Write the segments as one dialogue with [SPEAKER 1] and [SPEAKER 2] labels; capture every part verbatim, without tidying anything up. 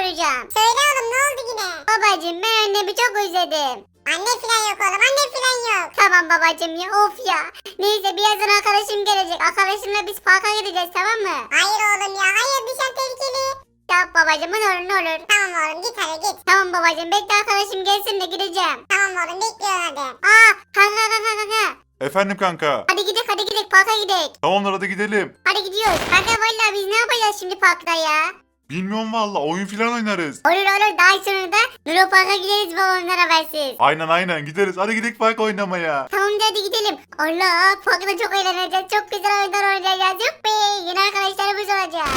[SPEAKER 1] soracağım.
[SPEAKER 2] Söyle oğlum, ne oldu yine?
[SPEAKER 1] Babacım ben annemi çok özledim.
[SPEAKER 2] Anne filan yok oğlum, anne filan yok.
[SPEAKER 1] Tamam babacım ya, of ya. Neyse birazdan arkadaşım gelecek. Arkadaşımla biz parka gideceğiz, tamam mı?
[SPEAKER 2] Hayır oğlum ya, hayır, dışarı tehlikeli.
[SPEAKER 1] Tamam babacım, ne olur ne olur.
[SPEAKER 2] Tamam oğlum, git hadi git.
[SPEAKER 1] Tamam babacım, bekle arkadaşım gelsin de gideceğim.
[SPEAKER 2] Tamam oğlum, bekliyorum hadi.
[SPEAKER 1] Aa kanka kanka kanka.
[SPEAKER 3] Efendim kanka.
[SPEAKER 1] Hadi gidelim hadi gidelim parka gidelim.
[SPEAKER 3] Tamamdır hadi gidelim.
[SPEAKER 1] Hadi gidiyoruz. Kanka vallahi biz ne yapacağız şimdi parkta ya?
[SPEAKER 3] Bilmiyorum valla, oyun filan oynarız.
[SPEAKER 1] Olur olur, daha sonra da Nuro Park'a gideriz babamdan habersiz.
[SPEAKER 3] Aynen aynen gideriz. Hadi gidelim park oynamaya.
[SPEAKER 1] Tamam hadi gidelim. Allah, parkta çok eğleneceğiz. Çok güzel oyunlar oynayacağız. Yuppi. Yeni arkadaşlarımız olacak.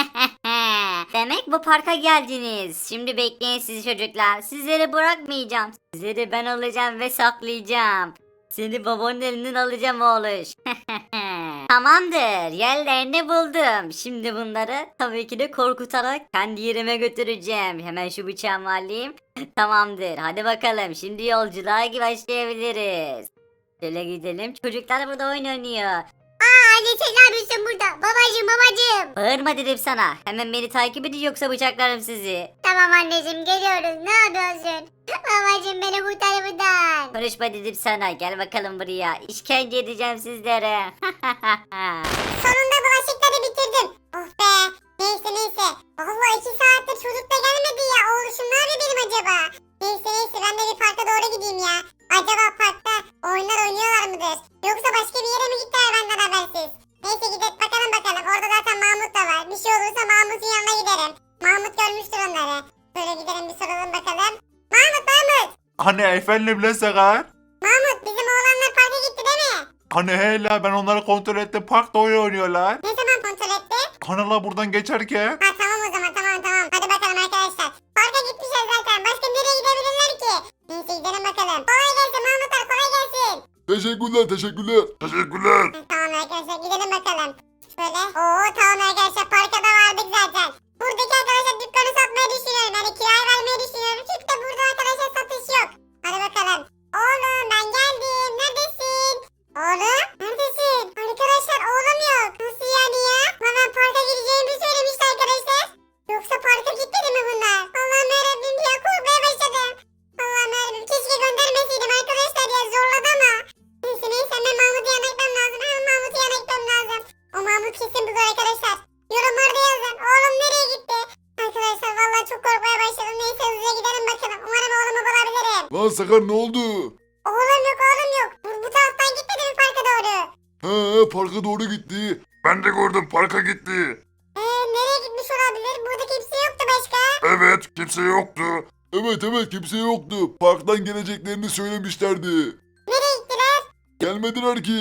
[SPEAKER 4] Demek bu parka geldiniz. Şimdi bekleyin sizi çocuklar. Sizleri bırakmayacağım. Sizleri ben alacağım ve saklayacağım. Seni babanın elinden alacağım oğluş. Tamamdır. Yerlerini buldum. Şimdi bunları tabii ki de korkutarak kendi yerime götüreceğim. Hemen şu bıçağımı alayım. Tamamdır. Hadi bakalım. Şimdi yolculuğa başlayabiliriz. Şöyle gidelim. Çocuklar burada oyun oynuyor.
[SPEAKER 1] Aa anne sen ne yapıyorsun burada? Babacım babacım.
[SPEAKER 4] Bağırma dedim sana. Hemen beni takip edin yoksa bıçaklarım sizi.
[SPEAKER 1] Tamam anneciğim geliyoruz. Ne yapıyorsun? Babacım beni kurtar buradan.
[SPEAKER 4] Konuşma dedim sana. Gel bakalım buraya. İşkence edeceğim sizlere.
[SPEAKER 2] Sonunda bulaşıkları bitirdim. Oh be. Neyse neyse. Vallahi iki saattir çocuk da gelmedi ya. Oğluşum nerede benim acaba? Neyse neyse, ben de bir parka doğru gideyim ya. Acaba parkta oyunlar oynuyorlar mıdır? Yoksa başka bir yere mi gittiler benden habersiz? Neyse gidelim bakalım bakalım. Orada zaten Mahmut da var. Bir şey olursa Mahmut'un yanına giderim. Mahmut görmüştür onları. Böyle gidelim bir soralım bakalım. Mahmut Mahmut.
[SPEAKER 3] Hani efendim lan Sakar?
[SPEAKER 2] Mahmut, bizim oğlanlar parka gitti değil mi?
[SPEAKER 3] Hani hele ben onları kontrol ettim, parkta oyun oynuyorlar.
[SPEAKER 2] Ne zaman kontrol etti?
[SPEAKER 3] Kanala buradan geçerken.
[SPEAKER 2] Ha tamam o zaman, tamam tamam. Hadi bakalım arkadaşlar. Parka gitmişler zaten. Başka nereye gidebilirler ki? Neyse gidelim bakalım. Kolay gelsin Mahmutlar, kolay gelsin.
[SPEAKER 3] Teşekkürler teşekkürler. Teşekkürler.
[SPEAKER 2] Ha, tamam arkadaşlar gidelim bakalım. Şöyle. Oo tamam arkadaşlar, parka da vardık zaten. Buradaki arkadaşlar dükkanı satmayı düşünüyorum. Yani kiraya vermeyi düşünüyorum. Çünkü de burada arkadaşlar satış yok. Hadi bakalım. Oğlum ben geldim. Neredesin? Oğlum neredesin? Arkadaşlar oğlum yok. Nasıl yani ya? Hemen parka gideceğimi söylemişti arkadaşlar. Yoksa parka gitmedi mi bunlar? Allah'ım yarabbim ya, korkmaya başladım. Allah'ım yarabbim, keşke göndermeseydim arkadaşlar ya, zorladı ama. Neyse neyse, hemen Mahmut'u yana gitmem lazım. Hemen Mahmut'u yana gitmem lazım. O Mahmut kesin bulur arkadaşlar. Yorumlarda yazın. Oğlum nereye gitti? Arkadaşlar vallahi çok korkmaya başladım. Neyse hızlıca gidelim bakalım. Umarım oğlumu bulabilirim.
[SPEAKER 3] Lan Sakar ne oldu?
[SPEAKER 2] Oğlum yok oğlum yok. Bu, bu taraftan gitmedi mi parka doğru?
[SPEAKER 3] He parka doğru gitti. Ben de gördüm, parka gitti.
[SPEAKER 2] Eee nereye gitmiş olabilir? Burada kimse yoktu başka.
[SPEAKER 3] Evet, kimse yoktu. Evet evet kimse yoktu. Parktan geleceklerini söylemişlerdi.
[SPEAKER 2] Nereye gittiler?
[SPEAKER 3] Gelmediler ki.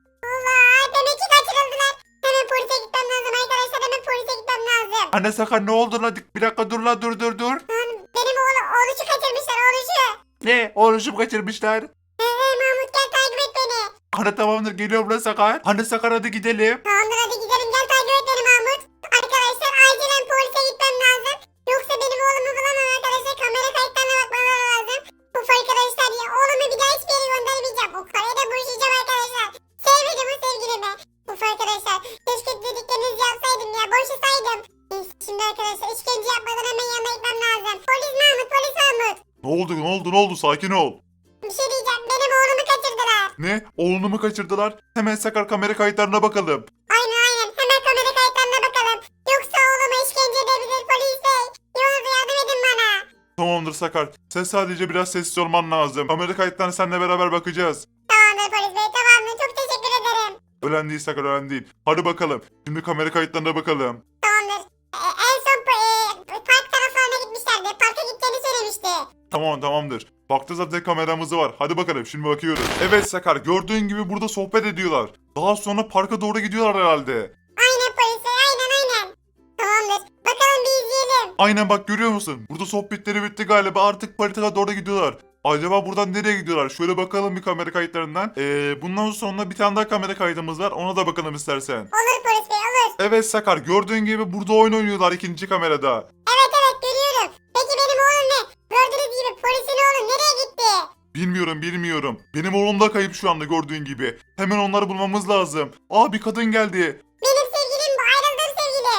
[SPEAKER 2] Allah, demek ki kaçırıldılar. Hemen polise gitmem lazım arkadaşlar. Hemen polise gitmem lazım.
[SPEAKER 3] Anne Sakar ne oldu lan? Bir dakika dur lan, dur dur dur.
[SPEAKER 2] Lan benim oğlu, oğluşu kaçırmışlar oğluşu.
[SPEAKER 3] Ne? Oğluşumu kaçırmışlar.
[SPEAKER 2] Eee Mahmut gel takip et beni.
[SPEAKER 3] Anne tamamdır, geliyorum lan Sakar. Anne Sakar hadi gidelim.
[SPEAKER 2] Tamamdır hadi gidelim, gel takip et beni Mahmut. Arkadaşlar acilen polise gitmem lazım. Yoksa benim oğlumu bulamam arkadaşlar. Kamera kayıtlarına bakmaları lazım. Uf arkadaşlar ya, oğlumu bir daha hiçbir yere göndermeyeceğim. O karıya da buluşacağım arkadaşlar. Sevmedim o sevgilimi. Uf arkadaşlar, keşke dediklerinizi yapsaydım ya, boşasaydım. Neyse şimdi arkadaşlar, işkence yapmadan hemen yanına gitmem lazım. Polis Mahmut, polis Mahmut.
[SPEAKER 3] Ne oldu ne oldu ne oldu, sakin ol.
[SPEAKER 2] Bir şey diyeceğim, benim oğlumu kaçırdılar.
[SPEAKER 3] Ne? Oğlunu mu kaçırdılar? Hemen Sakar kamera kayıtlarına bakalım.
[SPEAKER 2] Aynen aynen, hemen kamera kayıtlarına bakalım. Yoksa oğluma işkence edebilir polis bey. Ne olur yardım edin bana.
[SPEAKER 3] Tamamdır Sakar. Sen sadece biraz sessiz olman lazım. Kamera kayıtlarına seninle beraber bakacağız.
[SPEAKER 2] Tamamdır polis bey, tamamdır, çok teşekkür ederim.
[SPEAKER 3] Ölen değil Sakar, ölen değil. Hadi bakalım. Şimdi kamera kayıtlarına bakalım.
[SPEAKER 2] Tamamdır. E, en son e, park taraflarına gitmişlerdi. Parka gideceğini söylemişti.
[SPEAKER 3] Tamam tamamdır. Baktı zaten kameramız var. Hadi bakalım şimdi bakıyoruz. Evet Sakar, gördüğün gibi burada sohbet ediyorlar. Daha sonra parka doğru gidiyorlar herhalde.
[SPEAKER 2] Aynen polis bey, aynen aynen. Tamamdır. Bakalım bir izleyelim.
[SPEAKER 3] Aynen bak, görüyor musun? Burada sohbetleri bitti galiba, artık parka doğru gidiyorlar. Acaba buradan nereye gidiyorlar? Şöyle bakalım bir kamera kayıtlarından. Ee, bundan sonra bir tane daha kamera kaydımız var. Ona da bakalım istersen.
[SPEAKER 2] Olur polis bey, olur.
[SPEAKER 3] Evet Sakar, gördüğün gibi burada oyun oynuyorlar ikinci kamerada.
[SPEAKER 2] Evet evet, görüyorum. Peki benim oğlum ne? Gördüğünüz gibi polisin oğlu nereye gitti?
[SPEAKER 3] Bilmiyorum bilmiyorum. Benim oğlum da kayıp şu anda gördüğün gibi. Hemen onları bulmamız lazım. Aa, bir kadın geldi.
[SPEAKER 2] Benim sevgilim bu, ayrıldığım sevgilim.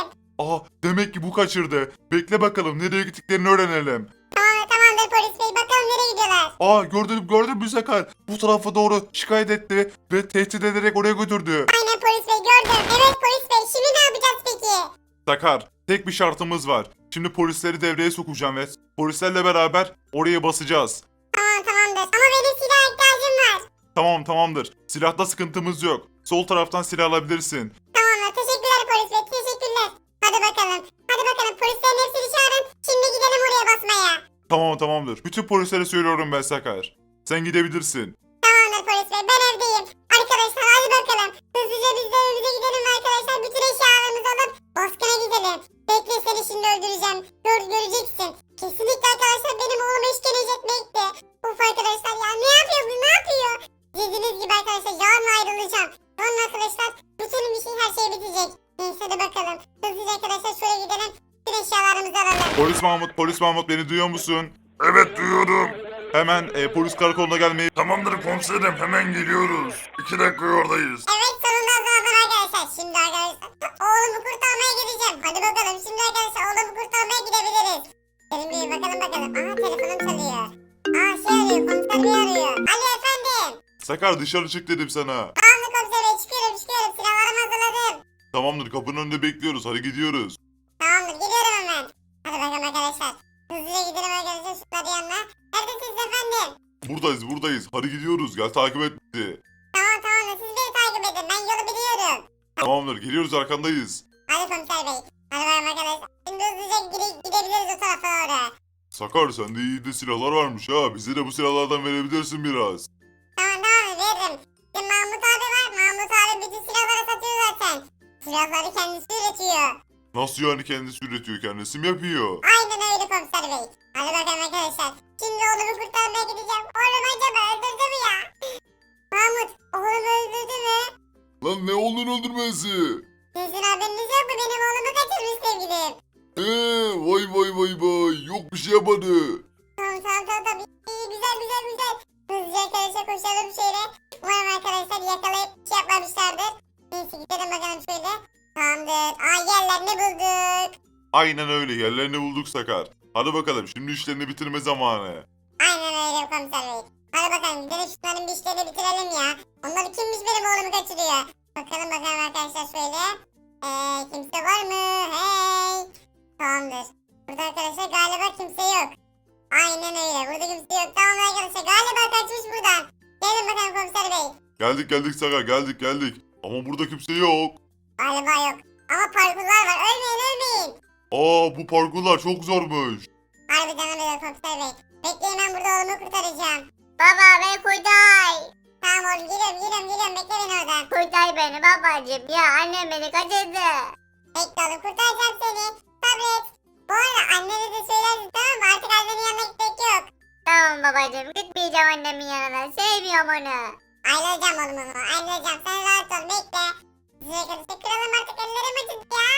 [SPEAKER 3] Aha demek ki bu kaçırdı. Bekle bakalım nereye gittiklerini öğrenelim.
[SPEAKER 2] Tamam, tamamdır polis bey. Bakalım nereye gidiyorlar.
[SPEAKER 3] Aa gördün gördün mü Sakar? Bu tarafa doğru şikayet etti ve tehdit ederek oraya götürdü.
[SPEAKER 2] Aynen polis bey gördüm. Evet polis bey. Şimdi ne yapacağız peki?
[SPEAKER 3] Sakar tek bir şartımız var. Şimdi polisleri devreye sokacağım ve polislerle beraber oraya basacağız.
[SPEAKER 2] Tamam tamamdır. Ama benim silah ihtiyacım var.
[SPEAKER 3] Tamam tamamdır. Silahta sıkıntımız yok. Sol taraftan silah alabilirsin.
[SPEAKER 2] Tamamdır. Teşekkürler polis bey. Teşekkürler. Hadi bakalım. Hadi bakalım. Polislerin hepsini çağırın. Şimdi gidelim oraya basmaya.
[SPEAKER 3] Tamam tamamdır. Bütün polislere söylüyorum ben Sakar. Sen gidebilirsin.
[SPEAKER 2] Tamamdır polis bey. Ben evdeyim. Arkadaşlar hadi bakalım. Hızlıca biz de evimize gidelim arkadaşlar. Bütün eşyalarımızı alıp baskına gidelim. Bekle seni şimdi öldüreceğim. Gör, göreceksin. Kesinlikle arkadaşlar benim oğlum işkence etmekti. Uf arkadaşlar ya ne yapıyor bu ne yapıyor? Dediğiniz gibi arkadaşlar yarın ayrılacağım. Sonra arkadaşlar bütün bir şey her şey bitecek. Neyse hadi bakalım. Hızlıca arkadaşlar şuraya gidelim. Bütün eşyalarımızı alalım.
[SPEAKER 3] Polis Mahmut, polis Mahmut beni duyuyor musun? Evet duyuyorum. Hemen e, polis karakoluna gelmeyi... Tamamdır komiserim hemen geliyoruz. İki dakika oradayız.
[SPEAKER 2] Evet sonunda hazırladım arkadaşlar. Şimdi arkadaşlar oğlumu kurtarmaya gideceğim. Hadi bakalım şimdi arkadaşlar oğlumu kurtarmaya gidebiliriz. Gelin bir bakalım bakalım. Aha telefonum çalıyor. Aa şey arıyor komiser bey arıyor. Alo efendim.
[SPEAKER 3] Sakar dışarı çık dedim sana.
[SPEAKER 2] Tamamdır komiser bey çıkıyorum çıkıyorum. Silahlarımı hazırladım.
[SPEAKER 3] Tamamdır kapının önünde bekliyoruz. Hadi gidiyoruz.
[SPEAKER 2] Tamamdır gidiyorum hemen. Hadi bakalım arkadaşlar. Hızlıca gidelim arkadaşlar şunların yanına. Neredesiniz efendim?
[SPEAKER 3] Buradayız buradayız. Hadi gidiyoruz. Gel takip et bizi.
[SPEAKER 2] Tamam tamamdır siz beni takip edin. Ben yolu biliyorum.
[SPEAKER 3] Tamamdır geliyoruz arkandayız.
[SPEAKER 2] Hadi komiser bey. Hadi bakalım arkadaşlar. Şimdi hızlıca gide- gidebiliriz o tarafa doğru.
[SPEAKER 3] Sakar sende iyi de silahlar varmış ha. Bize de bu silahlardan verebilirsin biraz.
[SPEAKER 2] Tamam tamam veririm. Bizim Mahmut abi var. Mahmut abi bütün silahları satıyor zaten. Silahları kendisi üretiyor.
[SPEAKER 3] Nasıl yani kendisi üretiyor kendisi mi yapıyor?
[SPEAKER 2] Aynen öyle komiser bey. Hadi bakalım arkadaşlar. Şimdi oğlumu kurtarmaya gideceğim. Oğlum acaba öldürdü mü ya? Mahmut oğlumu öldürdü mü?
[SPEAKER 3] Lan ne oldun öldürmesi?
[SPEAKER 2] Sizin haberiniz yok mu? Benim oğlumu kaçırmış sevgilim.
[SPEAKER 3] Eee vay vay vay vay. Yok bir şey yapmadı.
[SPEAKER 2] Tamam tamam tamam tamam. İyi, güzel güzel güzel. Hızlıca arkadaşlar koşalım şöyle. Umarım arkadaşlar yakalayıp bir şey yapmamışlardır. Neyse gidelim bakalım şöyle. Tamamdır. Aa yerlerini bulduk.
[SPEAKER 3] Aynen öyle yerlerini bulduk Sakar. Hadi bakalım şimdi işlerini bitirme zamanı.
[SPEAKER 2] Aynen öyle komiser bey. Hadi bakalım gidelim şunların bir işlerini bitirelim ya. Onlar kimmiş benim oğlumu kaçırıyor. Bakalım bakalım arkadaşlar şöyle. Eee kimse var mı? Hey. Tamamdır. Burada arkadaşlar galiba kimse yok. Aynen öyle burada kimse yok. Tamam arkadaşlar galiba kaçmış buradan. Gelin bakalım komiser bey.
[SPEAKER 3] Geldik geldik Sakar geldik geldik. Ama burada kimse yok.
[SPEAKER 2] Galiba yok. Ama parkurlar var. Ölmeyin ölmeyin.
[SPEAKER 3] Aa bu parkurlar çok zormuş.
[SPEAKER 2] Harbiden öyle komiser bey. Bekleyin ben burada oğlumu kurtaracağım.
[SPEAKER 1] Baba beni kurtar.
[SPEAKER 2] Tamam oğlum geliyorum geliyorum geliyorum. Bekle beni oradan.
[SPEAKER 1] Kurtar beni babacım. Ya annem beni kaçırdı.
[SPEAKER 2] Bekle oğlum kurtaracağım seni. Sabret. Bu arada annene de söylersin tamam mı? Artık annenin yanına gitmek yok.
[SPEAKER 1] Tamam babacım gitmeyeceğim annemin yanına. Sevmiyorum onu.
[SPEAKER 2] Ayrılacağım oğlum onu. Ayrılacağım. Sen rahat ol bekle. Size karıştı. Kıralım artık ellerim acıdı ya.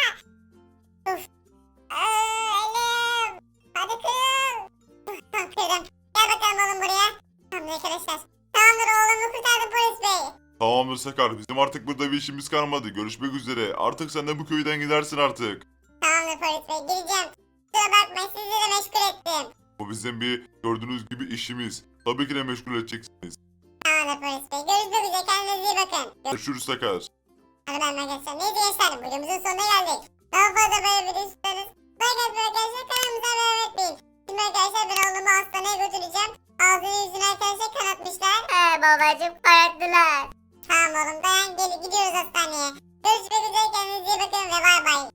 [SPEAKER 2] Uf. Aa, elim. Hadi kırıl. Uf, tamam kırdım. Gel bakalım oğlum buraya. Tamam arkadaşlar. Tamamdır oğlumu kurtardım polis bey.
[SPEAKER 3] Tamamdır Sakar bizim artık burada bir işimiz kalmadı. Görüşmek üzere. Artık sen de bu köyden gidersin artık.
[SPEAKER 2] Tamamdır polis bey. Gideceğim. Kusura bakmayın sizi de meşgul ettim.
[SPEAKER 3] Bu bizim bir gördüğünüz gibi işimiz. Tabii ki de meşgul edeceksiniz.
[SPEAKER 2] Tamamdır polis bey. Görüşmek üzere. Kendinize iyi bakın. Görüşürüz.
[SPEAKER 3] Görüşürüz Sakar.
[SPEAKER 2] Hadi ben arkadaşlar. Neyse gençler. Videomuzun sonuna geldik. Daha fazla böyle video istiyorsanız like atmayı arkadaşlar kanalımıza abone etmeyin. Şimdi arkadaşlar ben oğlumu hastaneye götüreceğim. Ağzını yüzünü arkadaşlar kanatmışlar.
[SPEAKER 1] He babacım kararttılar.
[SPEAKER 2] Tamam oğlum dayan gel gidiyoruz hastaneye. Görüşmek üzere kendinize iyi bakın ve bay bay.